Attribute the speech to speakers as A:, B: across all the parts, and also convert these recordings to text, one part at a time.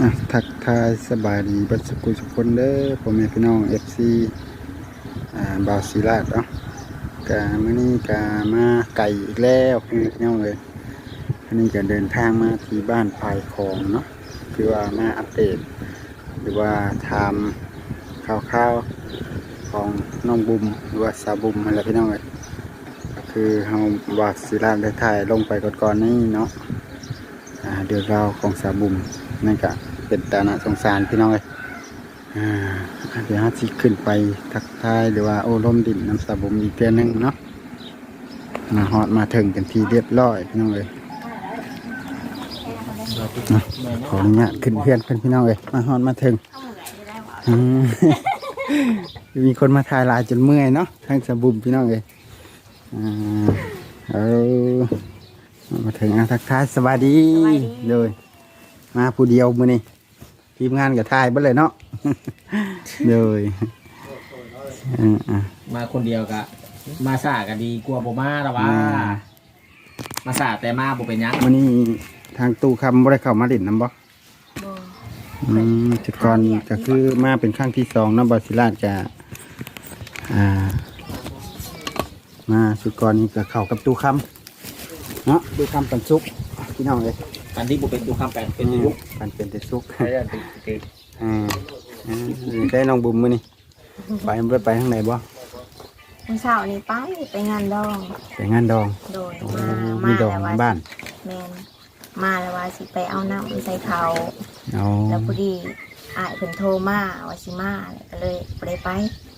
A: ทักทายสบายดีบัดสุกุสุคนเด้อพ่อแม่พี่น้อง FC บาวศิลาดเนาะกามื้อนี้กามาไก่อีกแล้วพี่น้องเลยอันนี้ก็เดินทางมาที่บ้านพายของเนาะคือว่ามาอัปเดตหรือว่าทำข่าวๆของน้องบุมหรือว่าสาวบุมอะไรพี่น้องเลยก็คือเฮาบาวศิลาดได้ถ่ายลงไปก่อนๆนี้เนาะเดือดราวของสาวบุมนั่นก็เป็นตาหน้าสงสารพี่น้องเลยเดี๋ยวฮัทสิขึ้นไปทักทายหรือว่าโอ้ล้มดินน้ำสาบุมอีกเพียงนึงเนาะมาฮอดมาถึงกันทีเรียบร้อยพี่น้องเลยขออนุญาตขึ้นเพื่อนพี่น้องเลยมาฮอดมาถึงมีคนมาถ่ายลายจนเมื่อยเนาะทั้งสาบุมพี่น้องเลยเอามาถึงทักทายสวัสดีเลยมาผู้เดียวมื้อนี้ทีมงานกับทายเบ่เลยเนาะเลย
B: มาคนเดียวกะมาสากันดีกลัวบ่มาแต่ว่ามาสาแต่มาบ่เป็นหยัง
A: มื้อนี้ทางตู้คำบ่ได้เข้ามาเล่นนำบ่จุดก่อนก็คือมาเป็นครั้งที่2เนาะบ่ศิลาดจะมาจุดก่อนนี้ก็เข้ากับตู้คำเนาะตู้คำปันสุกพี่น้องเลย
B: กันที่บ่เป็นตู้คำแปลงเป็นยุก
A: มันเป็นแต่สุก
B: ได้ติ
A: ได้น้องบุ๋มมื้อนี้ไปทางไหนบ่
C: วันเสาร์นี้ไปงานดอง
A: ไปงานดอง
C: โดย
A: มีดองบ้าน
C: แมนมาแล้วว่าสิไปเอาน้ำใส่เขาแล้วพอดีอ้ายเพิ่นโทรมาว่าสิมาก็เลยไป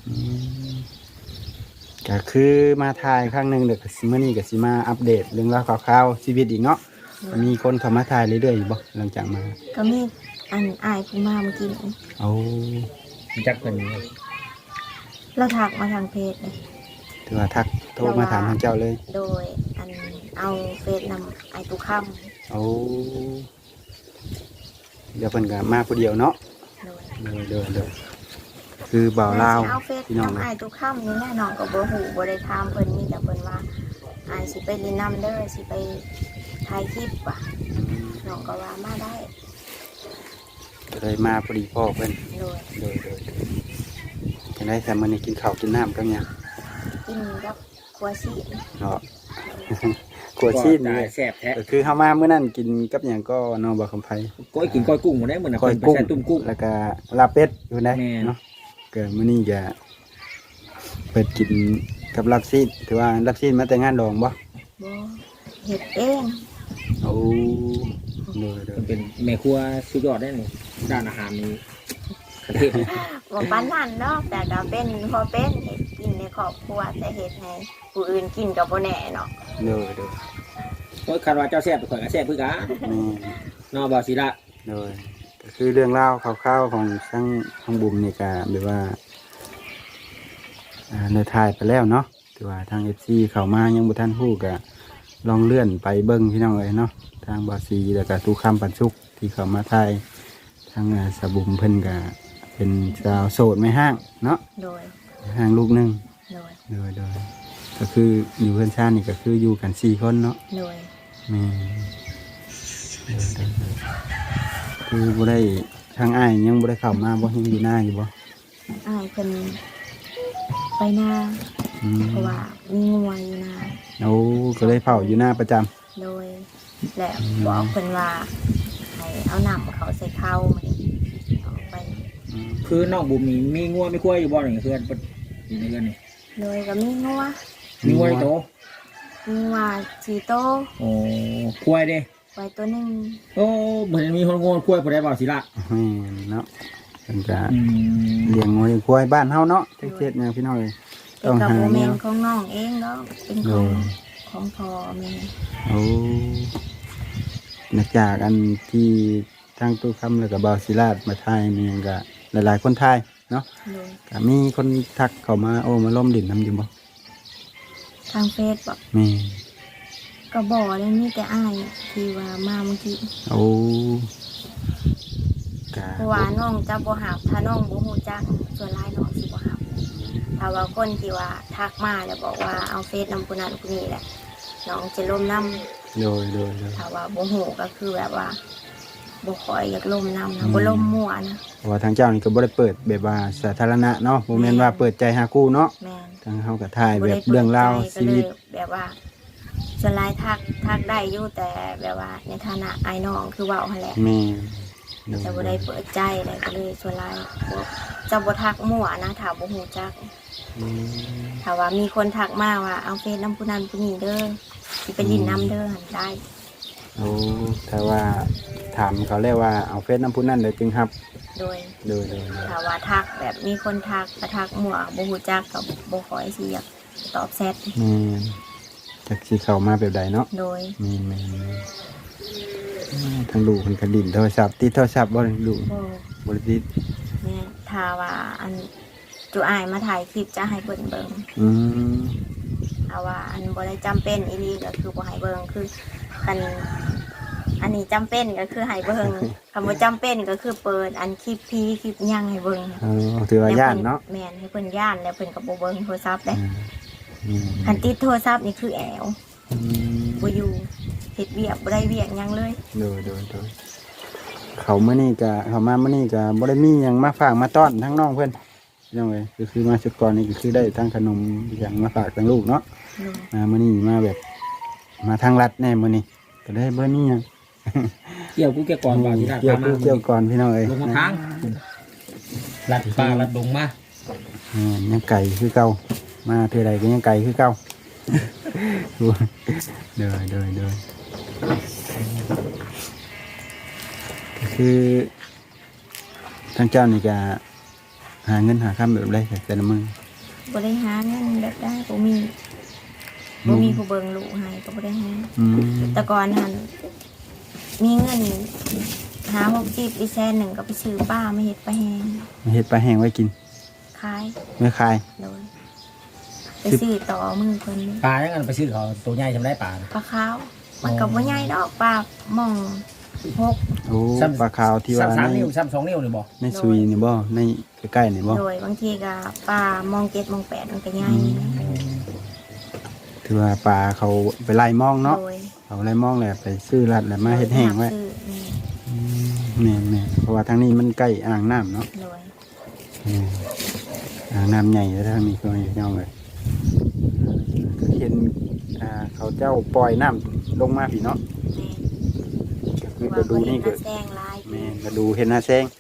A: ก็คือมาถ่ายครั้งหนึ่งเด็กมื้อนี้ก็สิมาอัปเดตเรื่องราวข่าวชีวิตอีกเนาะมีคนเข้ามาถ่ายเรื่อยๆอยู่บ่หลังจากมา
C: ก็มีอ้ายเพิ่นมาเมื่อกี้
A: เอา
B: จักเพิ่น
C: เราทักมาทางเพจเลย
A: ถือว่าทักโทรมาถามทางเจ้าเลย
C: โดยเอาเฟซนำไอ้ตุค่
A: ำเอาเดี๋ยวเพิ่นก็มาผู้เดียวเนาะเดี๋ยวคือบ่าวลาว
C: เอาเฟซนำไอ้ตุค่ำนี่แน่นอนก็บ่ฮู้บ่ได้ถามเพิ่นมีแต่เพิ่นว่าอ้ายสิไปลินน้ำเด้อสิไปถ่ายคลิปว่ะน้องก็ว่ามาได้
A: เลยมาพอดีพ่อเพิ่นโดยจะได้แต่มื้อนี้กินข้าวกินน้ำกันยัง
C: กินกับครัวซีน
A: เนาะครัวซีนนี่
B: แซ่บแท้
A: ก็คือเฮามามื้อนั้นกินกับหยังก็น้องบ่คำไผ
B: ก้อยกินก้อยกุ้งบ่ได้มื้อน่ะ
A: ก้อยกุ้ง
B: ตุ้มกุ้ง
A: แล้วก็ลาเป็ดอยู่ได้เนาะก็มื้อนี้ก็เปิดกินกับลักซีนถือว่าลักซีนมาแต่งานดองบ่
C: เฮ็ดเอง
A: โอ้
B: เป็นแม่ครัวสุดยอดได้นี่ด้านอาหารนี่ประเทศ
C: บ่ปานนั้นเนาะแต่ก็เป็นพอเป็นเฮ็ดกินในครอบครัวแต่เฮ็ดให้ผู้อื่นกินก็บ่แน่เนาะ
B: ก็คาดว่าเจ้าแซ่บข่อยก็แซ่บคือกันเนาะบ่าวศิลา
A: ก็คือเรื่องเล่าคร่าวๆของช่างบุ๋มนี่ก็แบบว่าในถ่ายไปแล้วเนาะถือว่าทาง FC เข้ามายังบ่ทันฮู้ก็ลองเลื่อนไปเบิ่งพี่น้องเอ้ยเนาะทางบ่าวศรีแล้วก็ตู้คำปันสุกที่เข้ามาถ่ายทางสะบุ๋มเพิ่นก็เป็นสาวโสดไม่ห้างเนาะห้างลูกนึงโดยก็คืออยู่เพื่อนชาตินี่ก็คืออยู่กัน4คนเนาะแม่คือบ่ได้ทางอ้ายยังบ่ได้เข้ามาบ่ยังอยู่หน้าอยู่บ่
C: อ้ายเพิ่นไปนาเพราะว่ามีงัวอยู่นา
A: ก็เลยเผาอยู่หน้าประจ
C: ำโดยและบอกเพิ่นว่าให้เอาน้ำเขาใส่ข้าวมาเอาไป
B: คือน้องบุ๋มมีงัวไม่คุ้ยอยู่บ่นี่เพื่อนอยู่ในเรือนนี่
C: โดยก็มีงัว
B: โต
C: มีงัว4โต
B: โอ้คุ้ยเด้
C: ไว้ตัวนึง
B: โอ้เหมือนมีคนงัวคุ้ยบ่ได้บ่าวศิลา
A: เนาะเพิ่นจะเลี้ยงงัวเลี้ยงควายบ้านเฮาเนาะเฮ็ดแนวพี่น้องเอ้ย
C: ต้องหาแนวของน้องเองเนาะเป็นของพ่อแม่
A: จากอันที่ทางตู้คำแล้วก็บ่าวศิลาดมาถ่ายมีหยังก็หลายๆคนถ่ายเนาะก็มีคนทักเข้ามามาล้มดินนำอยู่บ่
C: ทางเฟซบ่ก็บ่ได้มีแต่อ้ายที่ว่ามาเมื่อกี้เพราะว่าน้องจะบ่ฮับถ้าน้องบ่ฮู้จักส่วนหลายน้องสิบ่ฮับถ้าว่าคนที่ว่าทักมาแล้วบอกว่าเอาเฟซนำผู้นั้นผู้นี้แหละน้องจะล้มน้ำโดยถ้าว่าบ่ฮู้ก็คือแบบว่าบ่ค่อยอยากล่มน้ำนะบ่ล่มมั่วนะ
A: เพราะว่าทางเจ้านี่ก็บ่ได้เปิดแบบว่าสาธารณะเนาะบ่แม่นว่าเปิดใจหาคู่เนาะ
C: แม่น
A: ทางเฮาก็ถ่ายแบบเรื่องราวชีวิต
C: ก็เลยแบบว่าส่วนหลายทักได้อยู่แต่แบบว่าในฐานะไอ้น้องคือเว้าหั่นแหละ
A: แม่
C: จะบ่ได้เปิดใจอะไรก็เลยส่วนหลายบ่จะบ่ทักมั่วนะถ้าบ่ฮู้จัก
A: อืม
C: ถ้าว่ามีคนทักมาว่าเอาเฟซน้ำผู้นั้นผู้นี้เด้อสิไปลินน้ำเด้อหันได้
A: โอ้ถ้าว่าถามเขาแล้วว่าเอาเฟซน้ำผู้นั้นเลยจึงครับ
C: โดย
A: โดย
C: ถ้าว่าทักแบบมีคนทักก็ทักมั่วบ่ฮู้จักก็บ่ค่อยสิอยากตอบแชท
A: แม่นจักสิเข้ามาแบบใดเนาะ
C: โดย
A: แม่นทางลูกเพิ่นก็ดิ้นโทรศัพท์ติดโทรศัพท์บ่ลูก
C: บ่
A: บ่ได้ติด
C: แม่ถ้าว่าอันจูอายมาถ่ายคลิปจะให้เบิ่ง
A: อืม
C: ถ้าว่าอันบ่ได้จำเป็นอีหลีก็คือบ่ให้เบิ่งคือคันอันนี้จำเป็นก็คือให้เบิ่งคำว่าจำเป็นก็คือเปิดอันคลิปพีคลิปหยังให้เบิ่ง
A: ถือว่าย่านเนาะ
C: แม่นให้เพิ่นย่านแล้วเพิ่นก็บ่เบิ่งโทรศัพท์เด้
A: อืม
C: คันติดโทรศัพท์นี่คือแอว
A: อืม
C: บ่อยู่เฮ็ดเวียกบ่ได้เวียกหยังเลย
A: โดยเขามื้อนี้ก็เขามามื้อนี้ก็บ่ได้มีหยังมาฝากมาต้อนทั้งน้องเพิ่นยังไงก็คือมาชุดก่อนนี่ก็คือได้ทั้งขนมอย่างมาฝากทั้งลูกเนาะ
C: โดย
A: มื้อนี้มาแบบมาทางรัดแน่มื้อนี้ก็ได้บ่มีหยัง
B: เกี่ยวกูเกี่ยวก่อนว่าที่ราช
A: เกี่ยว
B: พามา
A: เกี่ยวก่อนพี่น้องเอ้ย
B: ลงมาทางลัดปลาลัดลงมา
A: ยังไก่คือเก่ามาเท่าใดก็ยังไก่คือเก่า เด้อก็คือทางเจ้านี่ก็หาเงินหาค่ำแบบไรแต่ละมือ
C: บ่ได้หาเงินแบบได้บ่มีผู้เบิ่งลูกให้ก็บ่ได้หา
A: อืม
C: แต่ก่อนหันมีเงินหา60อีแสนหนึ่งก็ไปซื้อป้ามาเฮ็ดปลาแห้ง
A: มาเฮ็ดปลาแห้งไว้กิน
C: ขาย
A: ไม่ขาย
C: โดยไปซื้อต่อมือเพิ่น
B: ปลายังไงไปซื้อเขาตัวใหญ่ทำได้ปลาน่ะ
C: ปลาขาวมันก็บ่ใหญ่ดอกปลาหม่อง6
A: โอ้ปลาขาวที่ว่า
B: สาม
A: ใน
B: นิ้วซ้ำ2 นิ้วนี่บอก
A: ในซุยนี่บ่ในใกล้ๆนี่บ่
C: โดยบางทีก็ปลามอง7มอง8มันก็ใหญ่
A: ถือว่าปลาเขาไปไล่มองเนาะ
C: โดย
A: เขาไล่มองแหละไปซื้อรัดแล้วมาเฮ็ดแห้งไว้
C: ซื้อ
A: แม่เพราะว่าทางนี้มันใกล้อ่างน้ำเนาะ
C: โดย
A: อ่างน้ำใหญ่แล้วทางนี้ก็ไม่ย่องเลยก็เห็นเขาเจ้าปล่อยน้ำลงมาพี่เนาะ
C: แม่
A: คือก็ดูนี่ก็
C: ว่าบ่เห็หาแซงลาย
A: แม่ก็ดูเห็นหน้าแซง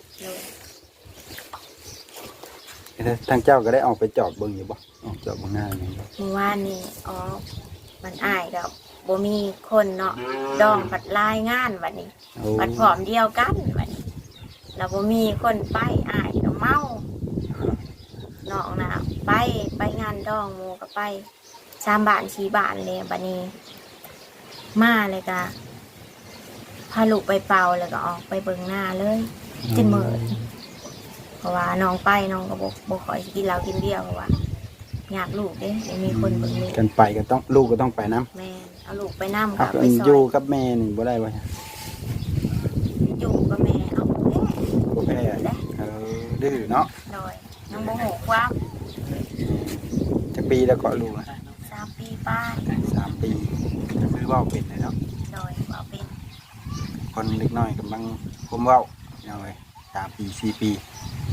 C: โดย
A: ทางเจ้าก็ได้ออกไปจอบเบิ่งอยู่บ่ออกจอบเบิ่งหน้าอย่างนี้
C: เมื่อวานนี่อ๋อมันอ้ายกับบ่มีคนเนาะดองผัดลายงานวันนี้
A: โอ้
C: ผัดผอมเดียวกันวันนี้แล้วบ่มีคนไปอ้ายก็เมาน้องน่ะไปงานดองหมู่ก็ไป3 บ้าน4 บ้านเลยบัดนี้ มาเลยก็พาลูกไปเป่าแล้วก็ออกไปเบิ่งหน้าเลยจนมื้อเพราะว่าน้องไปน้องก็บ่ค่อยสิกินเหล้ากินเบียร์เพราะว่าอยากลูกเด้ไม่มีคนเบิ่งลูก
A: กันไปก็ต้องลูกก็ต้องไปน้ำ
C: แม่นเอาลูกไปนั่ง
A: ครั
C: กั
A: บบ
C: ไปซอ
A: อยู่
C: ย
A: กับแม่นี่บ่ได้บ่
C: อยู่กับแม่เอาแม่
A: บ่แพ้ดื้อเนาะ
C: โดยน้องโมโหความ
A: จักปีแล้วก็ลูกนะ
C: 3 ปีป้าย
A: 3 ปีก็คือเว้าเป็นเลยเนาะ
C: โดยเอาเป็น
A: คนเล็กน้อยกำลังผมเว้าเอาไว้3 ปี4 ปี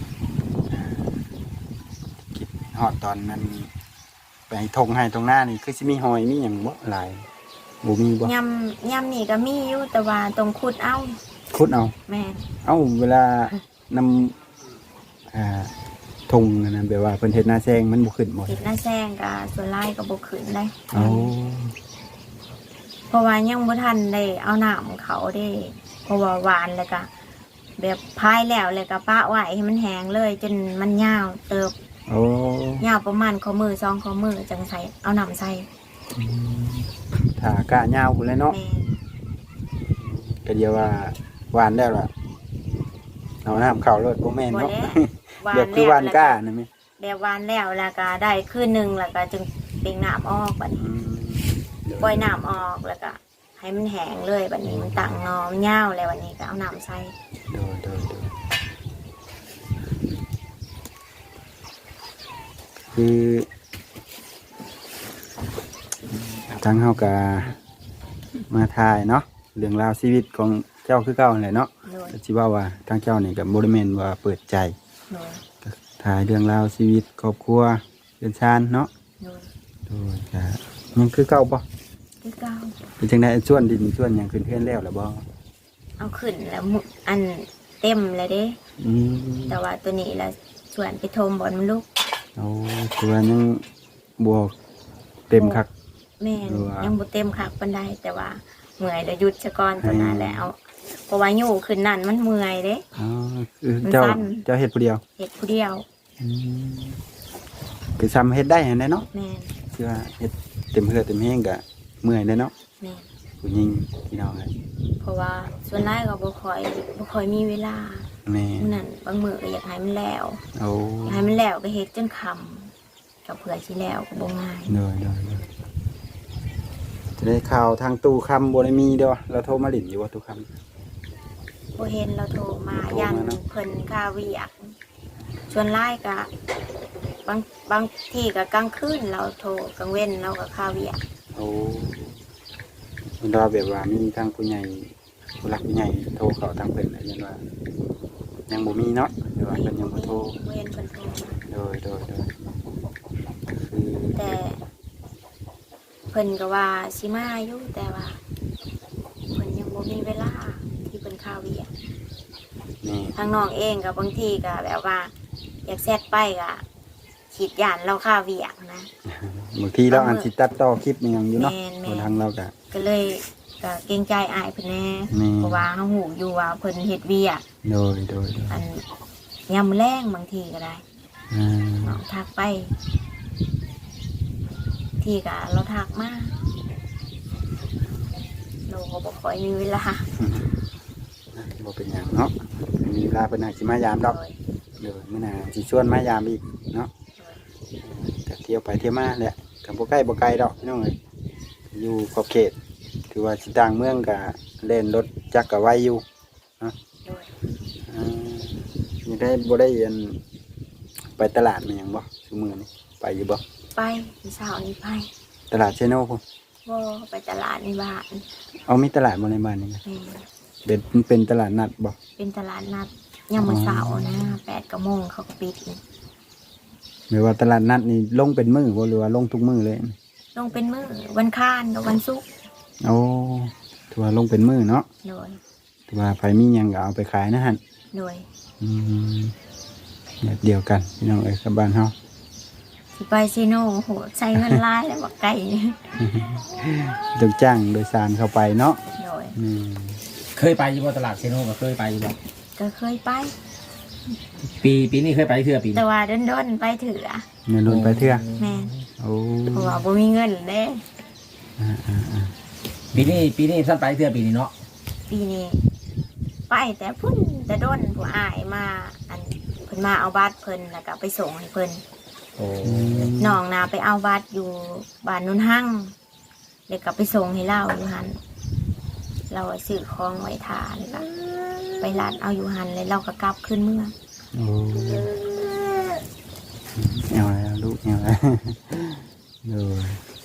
A: คิดฮอดตอนนั้นไปทงให้ตรงหน้านี่คือสิมีหอยมีหยังบ่หลายบ่มีบ่
C: ยำนี่ก็มีอยู่แต่ว่าตรงขุดเอา
A: ขุดเอา
C: แม่น
A: เอ้าเวลานำทงนั่นนะแบบว่าเพิ่นเฮ็ดหน้าแซงมันบ่ขึ้นบ่
C: เห็ดหน้าแซงกับส่วนไล่ก็บ่ขึ้นได้
A: เอา
C: เพราะว่ายังบ่ทันได้เอาน้ำเขาได้เพราะว่าหวานแล้วก็แบบพายแล้วก็ปะไว้ให้มันแห้งเลยจนมันยาวเติบ
A: โอ้
C: ยาวประมาณข้อมือ2ข้อมือจังใส่เอาน้ำใส่
A: ถ้ากะยาวพุ่นเลยเนาะ
C: แม่น
A: ก็เดียวว่าหวานแล้วล่ะเอาน้ำเข้ารถบ่แม่น
C: บ่
A: เนาะ
C: แล้ว
A: แบบคือหวานก้านั่นแม่
C: แบบหวานแล้วแล้วก็ได้คืนหนึงแล้วก็จึงเป่งน้ำออกบัดนี้
A: อืม
C: ปล่อยน้ำออกแล้วก็ให้มันแห้งเลยบัดนี้มันตั้งงอมันยาวแล้ววันนี้ก็เอาน้ำใส่
A: โดยคือทางเฮาก็มาถ่ายเนาะเรื่องราวชีวิตของเจ้าคือเก่านั่นแหละเนาะ
C: โดย
A: ก็สิว่าทางเจ้านี่ก็บ่ได้แม่นว่าเปิดใจ
C: โดย
A: ก็ถ่ายเรื่องราวชีวิตครอบครัวเรือนชานเนาะ
C: โดย
A: โดยก็ยังคือเก่าบ่
C: คือเก่า
A: เป็นจังได๋ส่วนดินส่วนหยังขึ้นเฮือนแล้วล่ะบ่
C: เอาขึ้นแล้วอันเต็มเลยเด้
A: อืม
C: แต่ว่าตัวนี้ละส่วนไปโทมบอลมันลุก
A: เอาคือว่ายังบ่เต็มคัก
C: แม่น
A: หรือว่ายั
C: ยังบ่เต็มคักปานใดแต่ว่าเมื่อยแล้วหยุดซะก่อนตัวนั้นแล้วเพราะว่าอยู่ขึ้นนั่นมันเมื่อยเด้
A: อ๋อคือเจ้า
C: มันสั้น
A: เจ้าเฮ็ดผู้เดียว
C: เฮ็ดผู้เดียว
A: อืมคือซ้ำเฮ็ดได้หั่นแหละเนาะ
C: แม่น
A: คือว่าเฮ็ดเต็มเฮือเต็มแฮงก็เมื่อยเด้เนาะ
C: แม่น
A: ผู้หญิงพี่น้องเอ้ย
C: เพราะว่าส่วนหลายก็บ่ค่อยมีเวลา
A: แม่
C: มื้อนั้นบางมื้อก็อยากให้มันแล้ว
A: เอา
C: อยากให้มันแล้วก็เฮ็ดจนค่ำก็เผื่อสิแล้วก็บ่ง่าย
A: เด้อจะได้ข่าวทางตู้คำบ่ได้มีเด้อเราโทรมาหลินอยู่ว่าตู้คำ
C: บ่เห็นเราโทรมา
A: โทรมา
C: ยัน
A: เนาะ
C: เพิ่นค่าเวียกส่วนหลายก็บางที่ก็กลางคืนเราโทรกลางเว้นเราก็ค่าเวียก
A: โอ้มันเราแบบว่ามีทางผู้ใหญ่ผู้หลักผู้ใหญ่โทรเข้าทางเพิ่นอะไรอย่างว่ายังบ่มีเนาะหรือว่าเพิ่นยังบ่โทร
C: บ่เห็นเพิ่นโทรมา
A: โดยคือ
C: แต่เพิ่นก็ว่าสิมาอยู่แต่ว่าเพิ่นยังบ่มีเวลาที่เพิ่นค่าเวียก
A: นี่
C: ทางน้องเองก็บางทีก็แบบว่า อยากแซดไปก็ขีดยานเราค่าเวียกนะ
A: บางทีเราอาจสิตัดต่อคลิปอิหยังอยู่เนาะ
C: แม่น
A: คนทางเราก็
C: ก็เลยก็เกรงใจอายเพิ่นแน่
A: นี่
C: เพราะว่าเฮาหูอยู่ว่าเพิ่นเฮ็ดเวียก
A: โดย
C: อันยามมื้อแลงบางทีก็ได้
A: อ่า
C: น้องทักไป ที่ก็เราทักมาเราก็บ่ค่อยมีเวลา
A: บ่เป็นหยังเนาะมีเวลาเพิ่นอาจสิมายามดอก
C: โดย
A: เดี๋ยวมื้อหน้าสิชวนมายามอีกเนาะก็เที่ยวไปเที่ยวมาแหละก็บ่ใกล้บ่ไกลดอกพี่น้องเอ้ยอยู่ขอบเขตถือว่าสิต่างเมืองก็เล่นรถจักรก็ไวอยู่
C: โดย
A: นี่ได้บ่ได้อันไปตลาดมาหยังบ่ซุมื้อนี้ไปอยู่บ่
C: ไปมื้อเช้านี้ไป
A: ตลาดเชโนพุ่น
C: บ่ไปตลาดในบ้าน
A: เอามีตลาดบ่ในบ้านนี่นะ
C: แม่
A: เป็นตลาดนัดบ่
C: เป็นตลาดนัดยามมื้อเช้านะ8 โมงเขาก็ปิดนี่
A: หรือว่าตลาดนัดนี่ลงเป็นมื้อบ่หรือว่าลงทุกมื้อเลย
C: ลงเป็นมื้อวันค้านกับวันศุกร์
A: โอ้ถือว่าลงเป็นมื้อเนาะ
C: โดย
A: ถือว่าไผมีหยังก็เอาไปขายนะหั่น
C: โดย
A: อืมแบบเดียวกันพี่น้องเอ้ยกับบ้านเฮา
C: สิไปซีโน่โหใช้เงินหลายแล้วบักไก่
A: ต้องจ้างโดยสารเข้าไปเนาะ
C: โดย
A: อืม
B: เคยไปอยู่บ่ตลาดเซโนก็เคยไปอยู่บ่
C: ก็เคยไป
B: ปีนี้เคยไปเทื่อปีนี้
C: แต่ว่าโดนๆไปถืออะ
A: เงินลนไปเทื่อ
C: แม่น
A: โอ้
C: เพราะว่าบ่มีเงินเด้
B: ปีนี้ท่านไปเทื่อปีนี้เนาะ
C: ปีนี้ ไปแต่พุ่นแต่โดนผู้อายมาอันเพิ่นมาเอาบัตรเพิ่นแล้วก็ไปส่งให้เพิ่น
B: โอ้
C: น้องนาไปเอาบัตรอยู่บ้านนุ่นหั่งเดี๋ยวก็ไปส่งให้เราอยู่หันเราซื้อของไว้ทานแล้วก็ไปร้านเอาอยู่หันเลยเราก็กลับขึ้นเมือง
A: โอ้เอาแล้วลูกเอาแล้ว โดย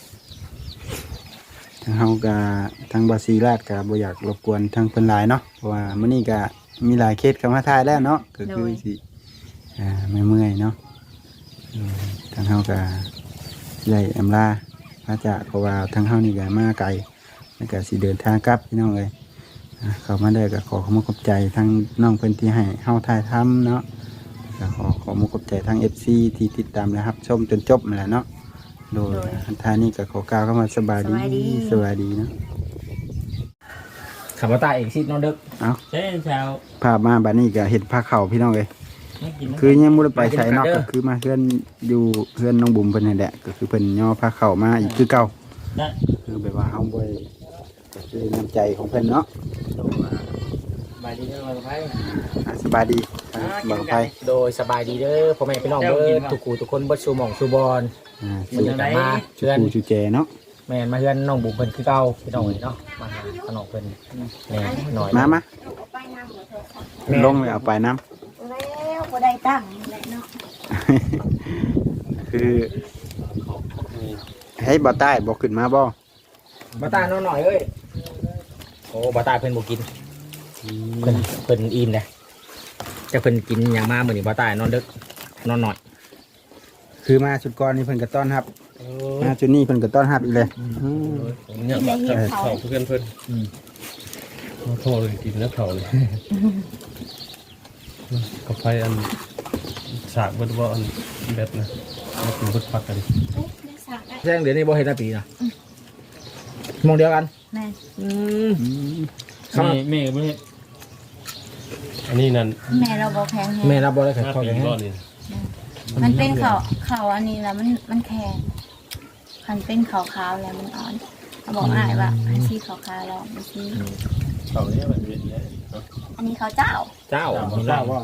A: ทางเฮาก็ทางบาซีราดก็บ่อยากรบกวนทางเพิ่นหลายเนาะเพราะว่ามื้อนี้ก็มีหลายเคสเข้ามาทายแล้วเนาะก็คือสิเมื่อยๆเนาะทางเฮาก็ใหญ่อำลาพระจากเพราะว่าทางเฮานี่ก็มาไกลแล้วก็สิเดินทางกลับพี่น้องเอ้ยเข้ามาได้ก็ขอขอบใจทางน้องเพิ่นที่ให้เฮาถ่ายทำเนาะก็ขอขอบใจทาง FC ที่ติดตามและรับชมจนจบนั่นแหละเนาะโดยอันท่านี้ก็ขอกล่าวเข้ามาสบายดีสบายดีเนาะ
B: ขับรถตาเอกชิดน้องเด็ก
A: เอา
B: เช้าเช้า
A: ภาพมาบัดนี้ก็เห็นผ้าเข่าพี่น้องเลยคือยังบ่ได้ไปใส่นอกก็คือมาเพื่อนอยู่เพื่อนน้องบุ๋มเพิ่นนี่แหละก็คือเพิ่นย่อผ้าเข่ามาอีกคือเก่า
B: ได้
A: คือแบบว่าเฮาบ่ได้ก็คือน้ำใจของเพิ่นเนาะ
B: สบายดีเด้อมาไพ่
A: สบายดีบ่ไป
B: โดยสบายดีเด้อพ่อแม่พี่น้องเด้อทุกคู่ทุกคนบ่ชูหม่องชูบอล
A: สู่
B: มา
A: ชู
B: เพื่อน
A: ปูชูแจเนาะ
B: แม่นมาเพื่อนน้องบุ๋มเพิ่นคือเก่าพี่น้องเนาะมาหาขนมเพิ่นแม่หน่อย
A: มา
C: เอาไปน้ำหมดเลยค่ะ
A: ลงเลยเอาไปน้
C: แล้วบ่ได้ตั้งแหละเนาะ
A: ำคือให้บ่ใต้บ่ขึ้นมาบ่
B: มาตาน้องหน่อยเอ้ยโอ้บ่ตายเพิ่นบ่กินเพิ่นอิ่มเลยจะเพิ่นกินหยังมามื้อนี้บ่ตายนอนดึกนอนหน่อย
A: คือมาชุดก่อนนี่เพิ่นก็ต้อนรับมาชุดนี้เพิ่นก็ต้อนรับอีกเลย
D: เนี่ยเขาเพื่อนโทษเลยกินแล้วเขาเลยกับไฟอันฉากบัดว่าอันแบบนะมันเป็นบัดพักกัน
B: แจ้งเดี๋ยวนี้บ่เฮ็ดปีนะมองเดียวกัน
C: แม่
D: แม่ไม่อันนี้นั่น
C: แม่เราบอกแพง
B: แม่รับบ่ได้
D: หน้า
B: เข้า
D: ปี
B: อย่าง
D: ก้อ
B: นี้
D: นนี่
C: มันเป็นเขาอันนี้แล้วมันแข็งมันเป็นขาวๆแล้วมันอ่อนเขาบอกอ้ายว่าให้ชี้ขาวๆลองไปชี้
D: เขาเนี่ยมันเป็นเนี่ย
C: อันนี้เขาเจ้า
B: เจ้ามี
A: ทรา
B: ลา
A: บว่า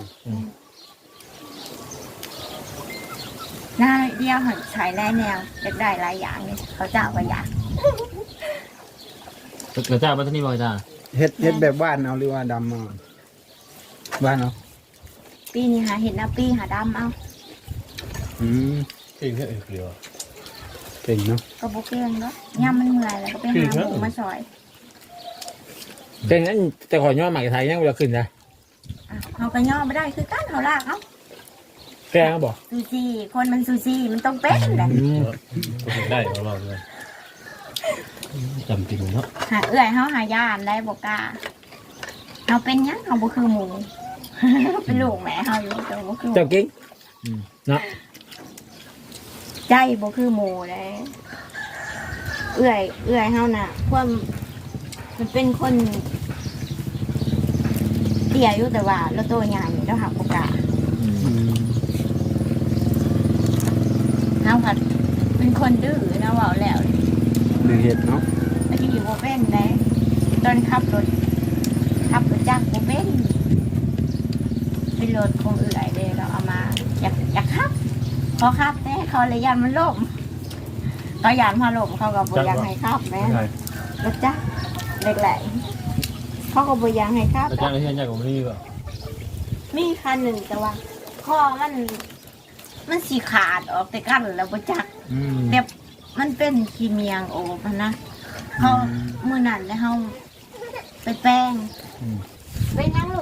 C: หน้าเดียวหันฉายแน่แนวจะได้หลายอย่างนี่เขาเจ้าก็อยาก
B: แล้วเจ้าบ่ทันนี่บ่จ้า
A: เฮ็ดแบบบ้านเอาหรือว่าดำเอาบ้านเอา
C: ปีนี้หาเห็ดนะปีหาดำเอา
D: เองแค่เดียว
A: เก่งเนาะ
C: ก็บุกเองเนาะย่ำมันเมื่อยแล้วก็ไปหาหมูมาซอย
B: แต่งั้นแต่ขอย่อหมากไทยยังบ่ขึ้นนะ
C: เขาก็ย่อไม่ได้คือกั้นเขาลากเอา
B: แกงบ่
C: ซูซี่คนมันซูซี่มันต้องเป็นแหละ
D: ก็ได้ของเราเลยจำจริงเนาะ
C: หาเอื่อยเขาหายานได้บอกกล้าเขาเป็นหยังเขาบุคือหมู เป็นลูกแม่เขาอยู่แต่บุคือหมู
B: เจ้ากิ้งเนาะ
C: ใจบุคือหมูเลยเอื่อยเขาน่ะพวกมันเป็นคนเตี้ยอยู่แต่ว่าแล้วตัวใหญ่แล้วหักบอกกล้าเขาผัดเป็นคนดื้อนะว่าแล้ว
A: เดือเห็ดเนาะ
C: แล้วที่อยู่โบเป็นเลยตอนขับรถจักรโบเป็นเป็นรถคงเอื่อยเลยเราเอามาอยากขับพอขับแต่เขาเลยยันมันล่มเขายันพอล่มเขาก็บอยากให้ขับแม่รถจักรเล็กแหล่เขาก็บอยากให้ขับ
D: อาจารย์ที่อาจารย์ของพี่ก็
C: มีคันหนึ่งแต่ว่าข้อมันสีขาดออกแต่กันแล้วบจักรแบบมันเป็นขีเมียงโอบนะเขามือนั่นแล้วเขาไปแป้งไปนั่งล